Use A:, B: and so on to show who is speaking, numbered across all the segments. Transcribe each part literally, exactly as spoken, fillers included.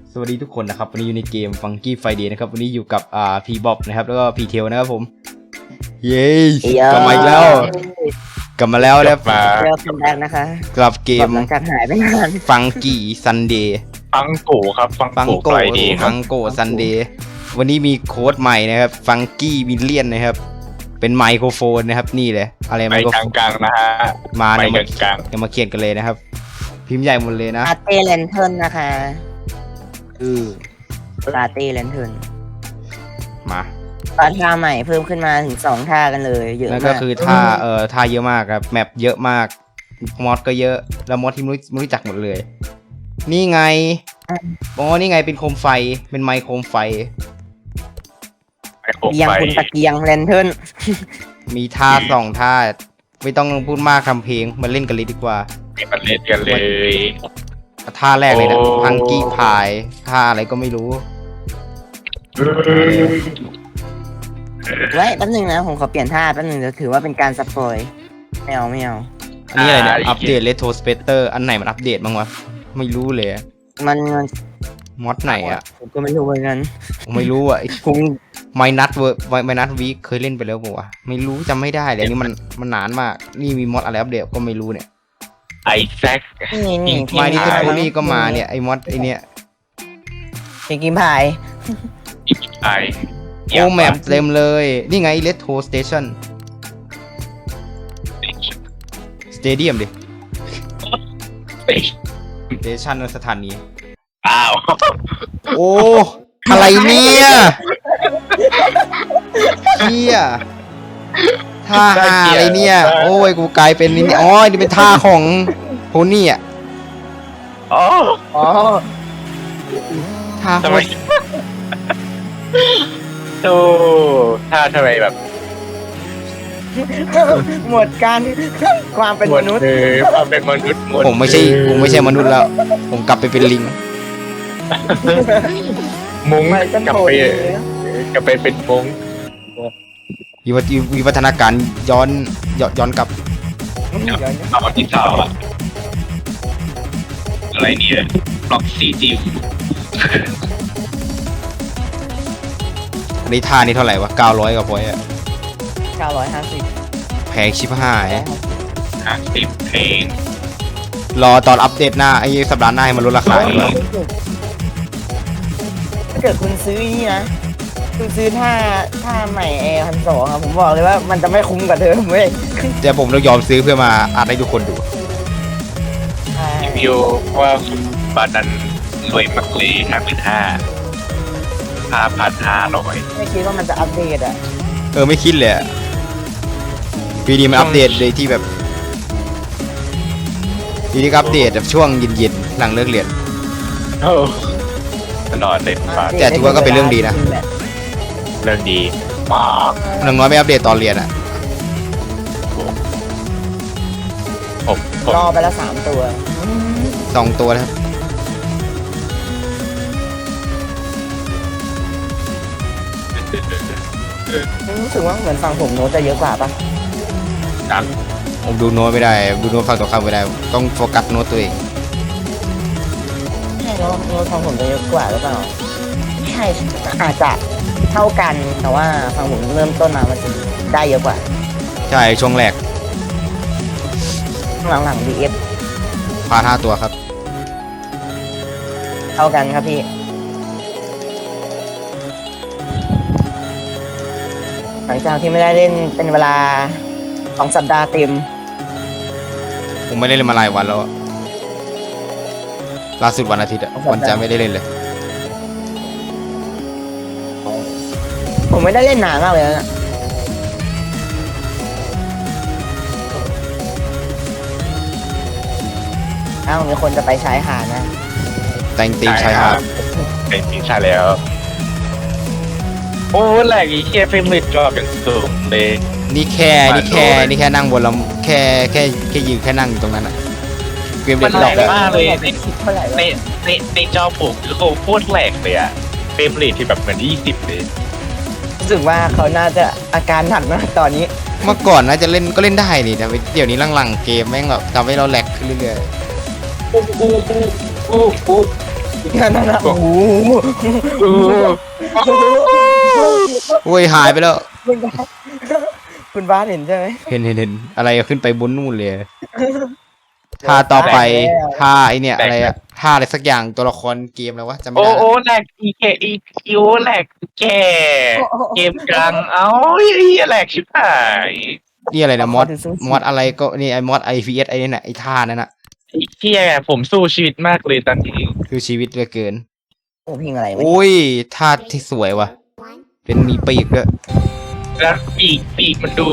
A: สวัสดีทุกคนนะครับวันนี้อยู่ในเกม Funky Friday นะครับวันนี้อยู่กับอ่าพีบ๊อบนะครับแล้วก็พีเทลนะครับผมเย้กลับมาอีกแล้วกลับมาแล้วแล้ว
B: มา
C: เริ่มคัมแบ็กนะคะ
A: กลับเกม
C: หลังจากหายไปนาน
A: Funky Sunday
B: ฟังโกครับฟัง
A: ฟัง
B: โก
A: โก
B: ไฟดีครั
A: ฟั
B: บ
A: งโก Sunday วันนี้มีโค้ดใหม่นะครับ Funky Million นะครับเป็นไมโครโฟนนะครับนี่เลยอะไร
B: ไป
A: ไมโคร
B: ก
A: โฟ
B: ลาน งกลางๆนะฮะ
A: มา
B: ไป
A: เนี่ย
B: ก
A: มา
B: ลาง
A: เดี๋ยวมาเขียนกันเลยนะครับพิมพ์ใหญ่หมดเลยนะ
C: ลาเต้เลนเทิร์นนะคะ
A: เออ
C: ลาเต้เลนเทิร์น
A: มา
C: ตอนท่าใหม่เพิ่มขึ้นมาถึงสองท่ากันเลยเยอะ
A: นั่น
C: มา
A: ก็
C: ก
A: คือท่าเอ่อท่าเยอะมากครับแมปเยอะมากมอดก็เยอะแล้วมอดที่ไม่รู้ไม่รู้จักหมดเลย นี่ไงอ๋อนี่ไงเป็นโคมไฟเป็นไมค์โคมไฟ
B: ๆไปโค
C: เกียง
B: ไฟ
C: คุณตะเกียงเลนเทิร์น
A: มีท่าสองท่าไม่ต้องพูดมากคำเพลงมาเล่นกันเลยดีกว่า
B: ไปมันเล่นกันเลย
A: ท่าแรกเลยนะ
B: โอ้
A: พังกี้พายท่าอะไรก็ไม่รู้
C: ไว้แป๊บนึงนะผมขอเปลี่ยนท่าแป๊บนึงจะถือว่าเป็นการสปอยไม่เอาไม่เอา
A: อันนี้อะไรเนี่ยอัปเดตเลโทสเปเตอร์อันไหนมันอัปเดตบ้างวะไม่รู้เลย
C: มันมัน
A: มอดไหนอ่ะ
C: ผมก็ไม่รู้เหมือนกัน
A: ผมไม่รู้อ่ะ
C: ผม
A: ไมนัทเวอร์ไมนัทวีคเคยเล่นไปแล้วป่าวะไม่รู้จำไม่ได้เลยอันนี่มันมันนานมากนี่มีมอดอะไรอัปเดตก็ไม่รู้เนี่ย
B: ไอแซค
C: นี่นี่
B: จริง
A: ไมนี่ก็
B: ใช่
A: โทนี่ก็มาเนี่ยไอ้มอดไอ้เนี่ย
C: พิงกิมพาย
B: ไอ
A: โอ้แมปเต็มเลยนี่ไงเลโทสเตชันสเตเดียมดิสเตชันสถานี
B: อ้าว
A: โอ้อะไรเนี่ยเฮียท่าหาอะไรเนี่ยโอ้ยกูกลายเป็นนี่อ๋อนี่เป็นท่าของโทนี่อ่ะ
B: อ๋อ
C: อ๋อ
A: ท่า
B: ทำไมโอ้ถ้าทำไมแบบ
C: หมดการความเป็น
B: หม
C: ม
B: ด
C: นุษย์
B: เลยความเป็นมนุษย์หมด
A: ผมไม่ใช่ผมไม่ใช่มนุษย์แล้ว ผมกลับไปเป็นลิง
B: มุ้ง
C: ไปกัน
B: กลับ
C: โผล่
B: ไป
C: เลย
B: กลับไปเป็นมุ้ง
A: วิวัฒวิวัฒนาการย้อนย้อนย้อนกลับ
C: เดี๋ยวนะ
B: เอาที่สาวอะอะไรเนี่ยบล็อกสีจิ๋ว
A: อันนี้ท่านี้เท่าไหร่วะเก้าร้อยกว่าพอยต์อะ
C: เก้าร้อยห้าสิบ
A: แพงชิบหาย
B: ห้าสิบเพลง
A: รอตอนอัปเดตหน้าไอ้สัปดาห์หน้าให้มันลดราคาดีกว่า
C: ถ้าเกิดคุณซื้อนี่นะ คุณซื้อท่าท่าใหม่แอร์พันสองอะผมบอกเลยว่ามันจะไม่คุ้มกับเดิมเว้ย
A: เดี๋ยวผมต้องยอมซื้อเพื่อมาอัดให้ทุกคนดู
B: รีวิวว่าคุณบานันรวยมากเลยห้าพันห้าห้าพันห้าร้อย
C: ไม่คิดว่ามันจะอัปเดตอะ
A: เออไม่คิดเลยอะปีนี้มันอัปเดตเลยที่แบบปีนี้ก็อัปเดตแบบช่วงเย็นๆหลังเลิกเรียน
B: โอ้ตลอดเลยมา
A: แต่ถือว่าก็เป็นเรื่องดีนะ
B: เรื่องดีมาก
A: อย่างน้อยไม่อัปเดตตอนเรียนอะ
B: ผมผม
C: รอไปแล้วสามตัว
A: สองตัวนะครับ
C: รู้สึกว่าเหมือนฝั่งผมโน้ตจะเยอะกว่าปะ
B: นัก
A: ผมดูโน้ตไม่ได้ดูโน้ตฟังต่อคำไม่ได้ต้องโฟกัสโน้ตตัวเอง
C: ใช่โน้ตโน้ตฝั่งผมจะเยอะกว่าหรือเปล่าใช่อาจจะเท่ากันแต่ว่าฝั่งผมเริ่มต้นมามันจะได้เยอะกว่า
A: ใช่ช่วงแรก
C: หลังๆ ดี เอฟ
A: พาห้าตัวครับ
C: เท่ากันครับพี่ หลังจากที่ไม่ได้เล่นเป็นเวลาสองสัปดาห์เต็ม
A: ผมไม่ได้เล่นมาหลายวันแล้วอะล่าสุดวันอาทิตย์อะวันจันทร์ไม่ได้เล่นเลย
C: ผมไม่ได้เล่นนานมากเลยนะอ้าวมีคนจะไปชายหาดนะ
A: แต่งตีมชายหาด
B: เป็นจริงใช่แล้ว โอ้แหลกอีเคียเฟรมเรทจอบอย่างสูงเลย
A: นี่แค่นี่แค่นี่แค่นั่งบนลำแค่แค่แค่ยืนแค่นั่งอยู่ตรงนั้นอะเกมเด็
B: มั
A: ด
B: น
A: ด
B: แหล
A: อก
B: ก
A: เลย
B: มากเลยใน
C: เท่าไหร่
B: ใน
C: วะ
B: ในในจอผมคือโคโคตรแหลกเลยอะเฟรมเรทที่แบบเหมือนยี่สิบเลย
C: รู้สึกว่าเขาน่าจะอาการหนักนะตอนนี้
A: เมื่อก่อนน่าจะเล่นก็เล่นได้นี่แต่เดี๋ยวนี้หลังๆเกมแม่งแบบทำให้เราแหลกขึ้นเรื่อย
B: อู้อู้อู้อู้อู้
C: นั่นนะโอ้โห
B: โอ้โห
A: โอ้ยหายไปแล้ว
C: คุณบ้านคุณบ้านเห็นใช่ไหม
A: เห็นเห็นเห็นอะไรอะขึ้นไปบนนู่นเลยท่าต่อไปท่าไอเนี่ยอะไรอะท่าอะไรสักอย่างตัวละครเกมแล้ววะจำไม่
B: โอ้
A: ได้
B: โอ้แหลกอีเคอีคิวแหลกแกเกมกลางเอ้าไอ้แหลกชิบหาย
A: นี่อะไรนะมอดมอดอะไรก็นี่ไอมอดไอพีเอสไอเนี่ยนะไอท่านั่นน่ะ
B: ไอ้เฮียผมสู้ชีวิตมากเลยตอนนี้
A: คือชีวิตเหลือเกิน
C: โอ้พิงอะไรไม่
A: โอ้ยท่าที่สวยว่ะ เป็นมีปีกด้วย
B: แล้วปีกปีกมันดู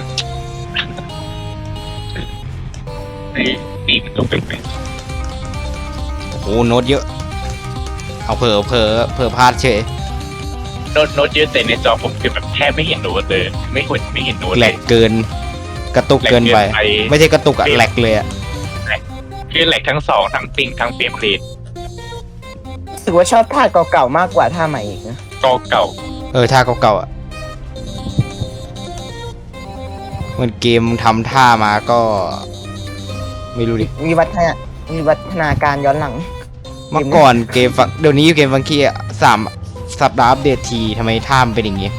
B: ไอ้ปีกมันดูเป็นเป็น
A: โอ้โน้ตเยอะ เอาเผลอเผลอเผลอพลาดเฉย
B: โน้ตโน้ตเยอะแต่ในจอผมคือแบบแทบไม่เห็นโน้ตเลยไม่เห็นไม่เห็นโน้ต
A: แหล
B: เลย
A: กเกิน กระตุกเกินไป
B: แหลกเกินไป
A: ไม่ใช่กระตุกอะแหลกเลยอะ
B: คือแหลกทั้งสองทั้งปิงทั้งเฟรมเรท
C: รู้สึกว่าชอบท่าเก่าๆมากกว่าท่าใหม่อีกนะ
B: ก็เก่า
A: เออท่าเก่าๆอะเหมันเกมทำท่ามาก็ ไม่รู้ดิ
C: มีวัฒนามีวัฒนาการย้อนหลัง
A: เมื่อก่อนเกมฟังเดี๋ยวนี้เกมฟังกี้อะสามสัปดาห์อัปเดตทีทำไมท่ามันเป็นอย่างงี้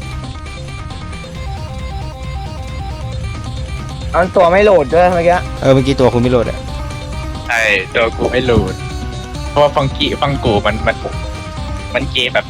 C: เอาตัวไม่โหลดด้วยเมื่อกี้
A: เออเมื่อกี้ตัวคุณไม่โหลดอะ
B: ใช่ตัวกูไม่รู้เพราะว่าฟังกี้ฟังกูมันมันมันเกมแบบ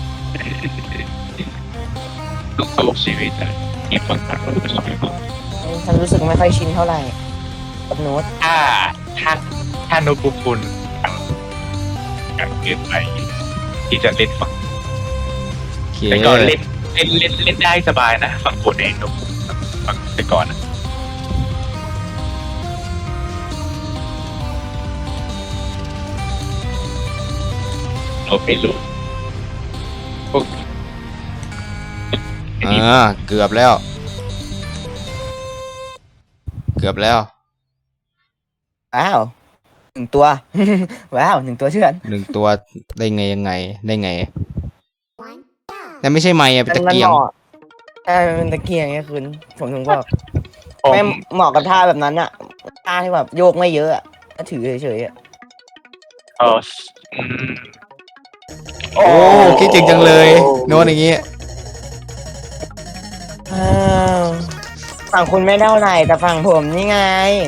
B: ตุกตุกชีวิตอะเกมฟังกู
C: ฉันรู้สึกไม่ค่อยชินเท่าไหร่กับโน้ต
B: ถ้าถ้าถ้าโน้ตบุ๊กคุณกันเกินไปที่จะเล่นฟัง
A: โอเค
B: แต่ก่อนเล่นเล่นเล่นเล่นได้สบายนะฟังกูเองโน้ตบุ๊กฟังแต่ก่อนนะโน้ตไม่รู้พวก
A: อ่าเกือบแล้ว เกือบแล้ว
C: ว้าวหนึ่งตัว ว้าวหนึ่งตัวเชื่อน
A: หนึ่งตัวได้ไงยังไงได้ไงแต่ไม่ใช่ไม้อะเป็นตะเกียง
C: มันหมาใช่มันเป็นตะเกียงไงคุณผมถึงบอก
B: ผม
C: ไม่เหมาะกับท่าแบบนั้นอะท่าที่แบบโยกไม่เยอะอะก็ถือเฉยๆอะ
B: เอออืม
A: โอ้คิดจริงจังเลย โน้ตอย่างงี้
C: อ้าวฝั่งคุณไม่เท่าไหร่แต่ฝั่งผมนี่ไง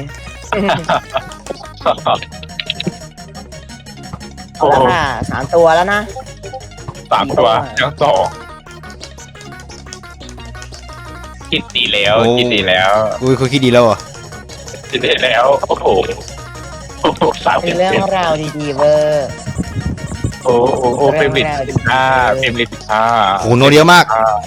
B: โอ้
C: แล้วค่ะสามตัวแล้วนะ
B: สามตัวยังสองคิดดีแล้ว
A: โอ้
B: คิดดีแล้ว
A: อุ้ยคุณคิดดีแล้วเหรอ่ะ
B: คิดดีแล้ว โอ้โหโอ้โหสาม
C: เป็
B: เป็น น
C: เรื่องราวดีๆเวอร์
B: โอ้โหโอ้เฟรมเรทสิบห้าเฟรมเรทสิบห้า
A: โหโน้ตเยอะมาก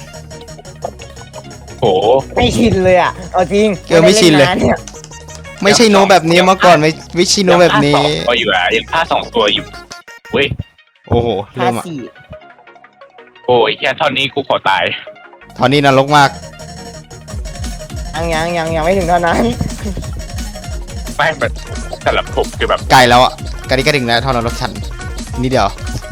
B: โอ้โห
C: ไม่ชินเลยอ่ะเอาจริง
A: เออไม่ชินเลย
C: ด้าา
A: ไม่ใช่โน้ตแบบนี้เมื่อก่อนไม่ไม่ใช่โน้ตแบบนี้
B: ยังพลาดสองตัวอยู่อะยังพลาดสองตัวอยู่เว้ย
A: โอ้โห
C: ท่า
A: เริ่มอ่ะ
C: สี่
B: โอ้ยแค่เท่านี้กูขอตาย
A: ตอนนี้นรกมาก
C: ยังยังยังยังไม่ถึงเท่านั้น
B: ไม่แบบสำหรับผมคือแบบ
A: ไกลแล้วอ่ะไกลนี้ก็ถึงแล้วเท่านรกฉันนี่เดียว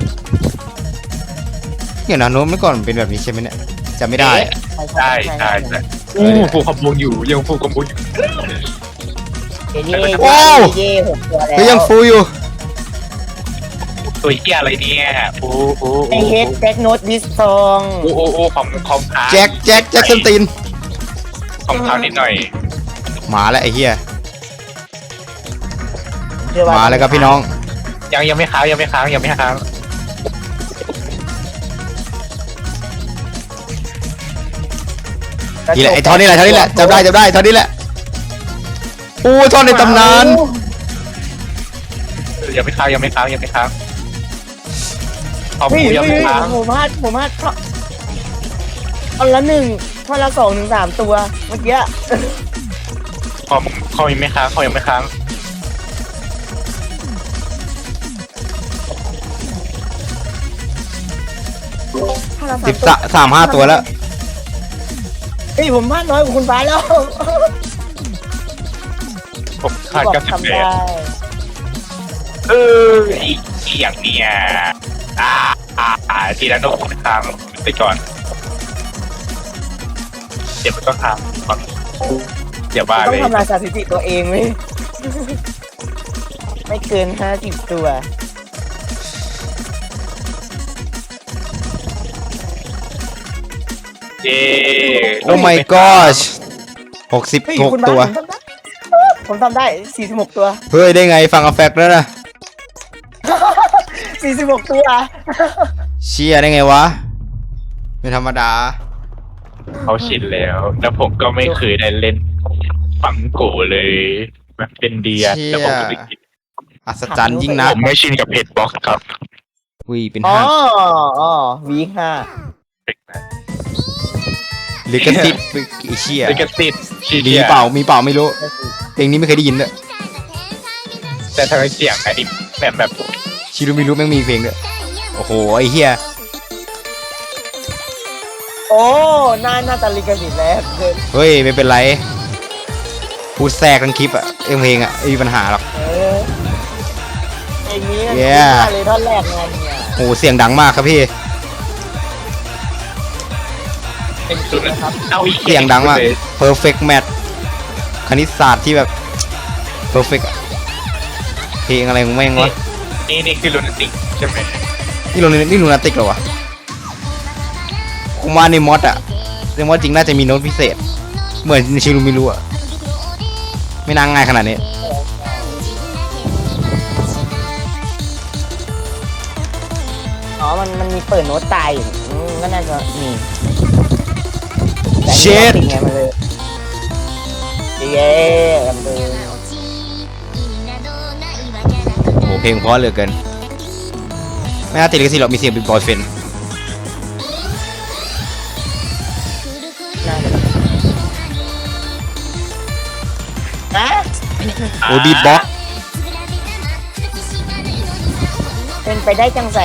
A: เดี๋ยวนะโน้ตเมื่อก่อนเป็นแบบนี้ใช่ไหมเนี่ยจำไม่ได้อะ
B: ใช่ใช่ใช่อู้ฟูคอมบงอยู่ยังฟูคอมบงอยู่
C: เย่เย่
A: โอ้
C: เย่หกตัวแล้ว
A: เฮ้ยยังฟูอยู่
B: ตัวเฮียอะไรเนี่ยโอ้โห
C: ไอเฮดแจ็คโน้ตดิสซอง
B: โอ้โอ้โอ้คอมคอมค้าง
A: แจ็คแจ็คแจ็คสันติน
B: คอมค้างนิดหน่อย
A: หมาแล้วไอ้เหี้ย
C: เชื่อ
A: มาแล้วครับพี่น้อง
B: ยังยังไม่ค้างยังไม่ค้างยังไม่ค้าง
A: นี่แหละไอ้ท่อนนี่แหละท่อนนี่แหละจำได้จำได้ท่อนนี้แหละโอ้ท่อนในตำนาน
B: ยังไม่ค้างยังไม่ค้างยังไม่ค้างคอม
C: เฮ้ย
B: กูยัง
C: เฮ้
B: ไม่
C: ย
B: ค้าง
C: ผมพลาดผมพลาดท่อนท่อนละหนึ่งท่อนละสองถึงสามตัวเมื่อกี้
B: คอมคอมยังไม่ค้างคอมยังไม่ค้าง
C: ท่อนละ
A: สิบ
C: ตัว
A: สามสามห้าตัวแล้ว
C: เฮ้ยผมพลาดน้อยกว่าคุณฟ้าแล้ว
B: ผมขาด
C: บอก
B: เก้าสิบ
C: ทำ
B: แป
C: ได้
B: ดเอออีกอย่างเนี่ยอ่าอ่าอ่าทีละโน้ตค้างไปก่อนเดี๋ยวมันก็ค้างก่อนเดี๋ยวบ้า
C: ต้อ
B: เล
C: ง
B: ย
C: ทำลายสถิติตัวเองไหม ไม่เกินห้าสิบตัว
B: เย้
A: โอ้ my gosh หกสิบ
C: เฮ้ย
A: หก
C: คุณ
A: ตัว
C: บ้านผมทำได้สี่สิบหกตัว
A: เฮ้ย ได้ไงฟังอแฟกแล้วนะ
C: สี่สิบหกตัว
A: เชียได้ไงวะไม่ธรรมดา
B: เขาชินแล้ว แล้วผมก็ไม่เคยได้เล่นฟังโกเลยแบบเป็นเดีย
A: เชี่ย
B: แล้วผมก็ไม่คิด
A: อัศจรรย์ยิ่งนั
B: ผ
A: ก
B: มไม่ชินกับเพจบ็อกซ์ครับ
A: อุ้ยเป็น
C: อ๋อ
A: ห้า
C: อ๋อวีคห้า
A: ลิขสิทธิ์ไอ้เชี่ย
B: ลิขสิทธิ์
A: มีเปล่ามีเปล่าไม่รู้เพลงนี้ไม่เคยได้ยินเลย
B: แต่ทำไมเสียงไอ้แบบแบบ
A: ชิรุมิรุแม่งมีเพลงด้วยโอ้โหไอ้เฮีย
C: โอ้น่าน่าจะลิขสิทธิ์แล้วเกิน
A: เฮ้ยไม่เป็นไรพูดแทรกทั้งคลิปอะเอ็มเพลงอะไม่มีปัญหาหรอก
C: เออเพลงนี้
A: Yeah
C: น่าเลยท่อนแรกไงเนี่ย
A: โอ้โหเสียงดังมากครับพี่
B: เป็นสุดนะครับเอาอีก
A: เสียงดังมาก perfect match คณิตศาสตร์ที่แบบ perfect อะเพลงอะไรของแม่งวะ
B: นี่นี่คือโรแมนติกใช่ไหม
A: นี่ลงนี่ลูนาติกเหรอวะคุมาในมอดอะในมอดจริงน่าจะมีโน้ตพิเศษ เหมือนชิรุมิรุอะไม่น่าง่ายขนาดนี้
C: อ๋อมันมันมีเปิดโน้ตตายอยู่อืมก็น่าจะมีแต่
A: เช็ด
C: อันนี้มันติดไงมันเลยเย้กันเลย
A: โอ้โหเพลงเพราะเหลือเกิน ไม่น่าติดลิขสิทธิ์หรอกมีเสียงเป็นบอยเฟน
C: น่าจะฮะ
A: โอ้บีทบ็อก
C: เป็นไปได้จังใส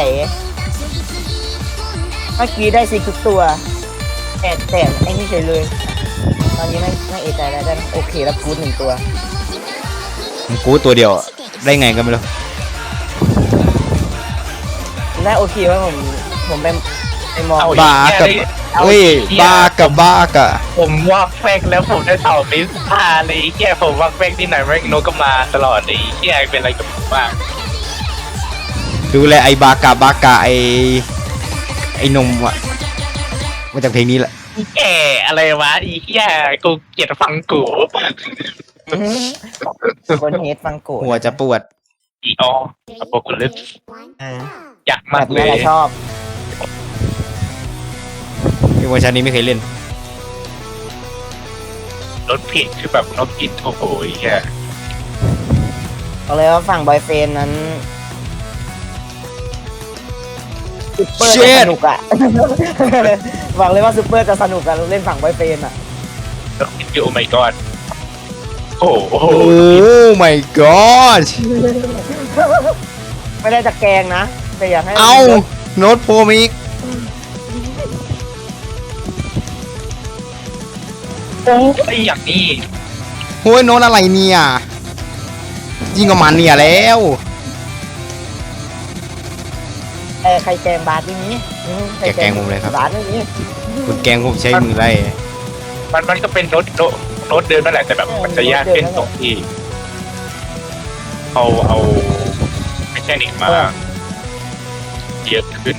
C: เมื่อกี้ได้สิทุกตัวแต่แต่ไอ้นี่เฉยเลย ตอนนี้ไม่ไม่เอะใจแล้วได้โอเคแล้วกูดหนึ่งตัว
A: ผมกูตัวเดียวอะได้ไงกันไม่รู้
C: ได้โอเคว่าผมผมไปไปมอง
B: เอา
A: บ้ากับเฮ้ยบ้ากับบ้ากับ
B: ผมว่าแฟกแล้วผมได้เต่ามิสพาเลยไอ้แค่ผมว่าแฟกที่ไหนแม่งโนก็มาตลอดเลยไอ้แค่เป็นอะไรกับผมบ้าง
A: ดูแลไอ้บากาบากาไอ้ไอ้นมอะมาจากเพลงนี้แหละ
B: อีแก่อะไรวะอีแก่กูเกลียดฟังกู
C: คนเฮดฟังโกะ
A: หัวจะปวด
B: อีอออโปกุลิป
C: อ่า
B: อยาก
C: แบ
B: มาก
C: บ
B: เล
C: นี้
B: ย
C: แหละชอบ
A: ในเวอร์ชันนี้ไม่เคยเล่น
B: รถผิดคือแบบรถผิดโอ้โหไอ้แค่
C: เอาเลยว่าฝั่งบอยเฟนนั้นซูเปอร์จะสนุกอะ บอกเลยว่าซูเปอร์จะสนุกกันเล่นฝั่งบอยเฟนอะ
B: รถผิดคือโอ้ my god โอ้โห
A: โอ้ my god
C: ไม่ได้จะแกงนะแต่อยากให้
A: เอาโน้ตโพมิก
B: โอ้ยอย่างนี้
A: โอ้ยโน้ตอะไรเนี่ยยิ่งกว่ามันเนี่ยแล้ว
C: เออใครแกงบาสที่นี้อืมใคร
A: แกแกงผมเลยครับ
C: บาสที่นี้
A: คุณแกงผมใช้มือไล่
B: มันมันก็เป็นรถโนรถเดินนั่นแหละแต่แบบมันจะยากขึ้นตรงที่เอาเอาไม่ใช่นิกมาเยอะขึ้น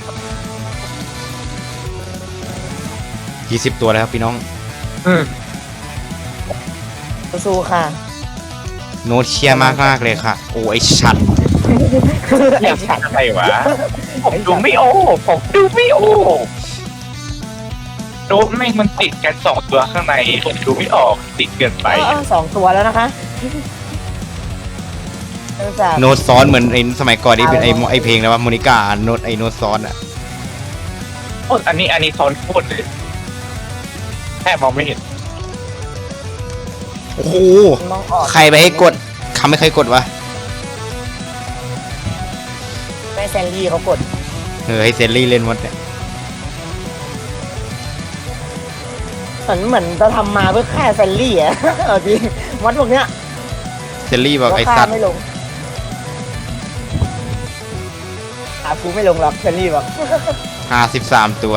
A: ยี่สิบตัวแล้วครับพี่น้อง
B: อืม
C: สู้ๆค่ะ
A: โน้ตเชียร์มากมากๆเลยค่ะ โอ้ไอชัด
C: ไอ้ฉัน
B: อะไรวะผมดูไม่โอ้ผมดูไม่โอ้โน้ตไม่งมันติดกันสองตัวข้างในผมดูไม่ออกติดเกินไป
C: เออสองตัวแล้วนะคะเนื่องจาก
A: โน้ตซ้อนเหมือนไอสมัยก่อนที่เป็นไอไอเพลงแล้วว่าโมนิกาโน้ตไอโน้ตซ้อนอะ
B: โอ้อันนี้อันนี้ซ้อนโคตรเลยแค่มองไม่เห็น
A: โอ้โห
C: มองออก
A: ใครไปให้กดคำไม่เคยกดวะ
C: แม่แซนดี้เขากด
A: เออให้เซนลี่เล่นหมดเนี่ย
C: เหมือนเหมือนจะทำมาเพื่อฆ่าแซนลี่อะ เอาจริงมอดพวกเนี้ย
A: เซนลี่บอกไอ
C: ฆ่า
A: สัตว์
C: ไม่ลงหากูไม่ลงหรอกแซนลี่บอก
A: ห้าสิบสามตัว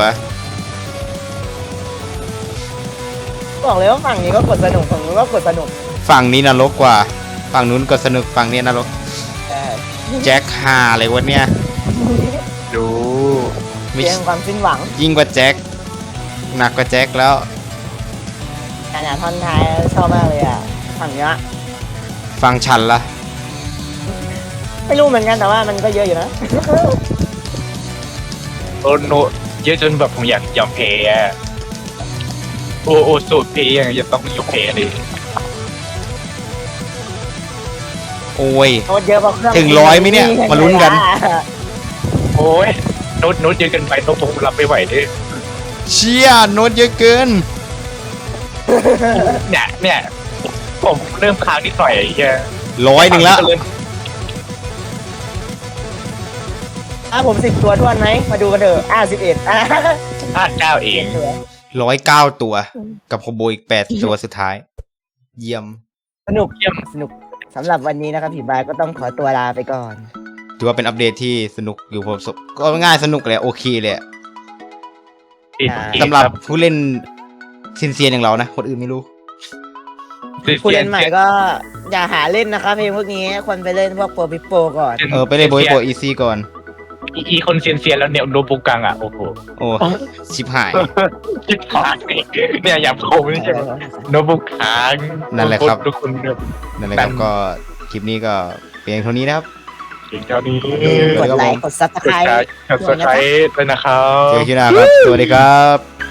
C: บอกเลยว่าฝั่งนี้ก็กดสนุกฝั่งนู้นก็กดสนุก
A: ฝั่งนี้นรกกว่า ฝั่งนู้นก็สนุกฝั่งนี้นรก
C: แต่
A: แจ็คฮาเลยวะเนี่ย
B: ดู
A: ไม่
C: เพียงความสิ้นหวัง
A: ยิ่งกว่าแจ็คหนักกว่าแจ็คแล้ว
C: ขนาดท่อนท้ายชอบมากเลยอ่ะฝั่งเนี้ย
A: ฟังฉันละ
C: ไม่รู้เหมือนกันแต่ว่ามันก็เยอะอยู่นะ
B: โอโนเยอะจนแบบผมอยากยอมแพ้อะโอโอสูตรเพย์ยังจะต้องยกเพย์เลย
A: โอ้ย
C: โน้ตเยอะกว่าเครื่อง
A: ถึงร้อยไหมเนี่ยมาลุ้นกัน
B: โอ้ยโน้ตโน้ตเยอะเกินไปโน้ตผมรับไม่ไหวดิ
A: เชี่ยโน้ตเยอะเกิน
B: เนี่ยเนี่ยผมเริ่มค้างนิดหน่อยไอ้เหี้ย
A: ร้อยหนึ่งละ
C: อ่ะผมสิบตัวทวนไหมมาดูกันเถอะอ่ะสิบเอ็ดอ่ะ
B: พลาดเก้าเอง
A: ร้อยเก้าตัว กับโคโบอีกแปดตัวสุดท้าย เยี่ยม
C: สนุก
B: เยี่ยม
C: สนุกสำหรับวันนี้นะครับผีบายก็ต้องขอตัวลาไปก่อน
A: ถือว่าเป็นอัปเดตที่สนุกอยู่พอสมก็ง่ายสนุกเลยโอเคเลยอะ สำหรับผู้เล่นซินเซียนอย่างเรานะ คนอื่นไม่รู้
C: ผู้เล่นใหม่ก็อย่าหาเล่นนะครับเพลงพวกนี้ควรไปเล่นพวกโปรปิโปก่อน
A: เออ ไปเล่นโบยโบอีซี่ก่อน
B: อีอีคนเซียนเซียนแล้วเนี่ยโนบุกังอ่ะโอ้โห
A: โอ้ ชิบหาย
B: จิบหายเนี่ยอย่างผมนี่ใช่ไหมโนบุกัง
A: นั่นแหละครับ
B: ทุกคนเนี่ย
A: นั่นแหละครับก็คลิปนี้ก็เพียงเท่านี้นะครับ
B: เก่งเจ้านี้
C: กดไลค์กดซับส
B: ก
C: ไค
B: ด
C: ร
B: การ
C: ต์
B: กด subscribe ด้วยนะครับ
A: เจอกันคลิปหน้าครับ สวัสดีครับ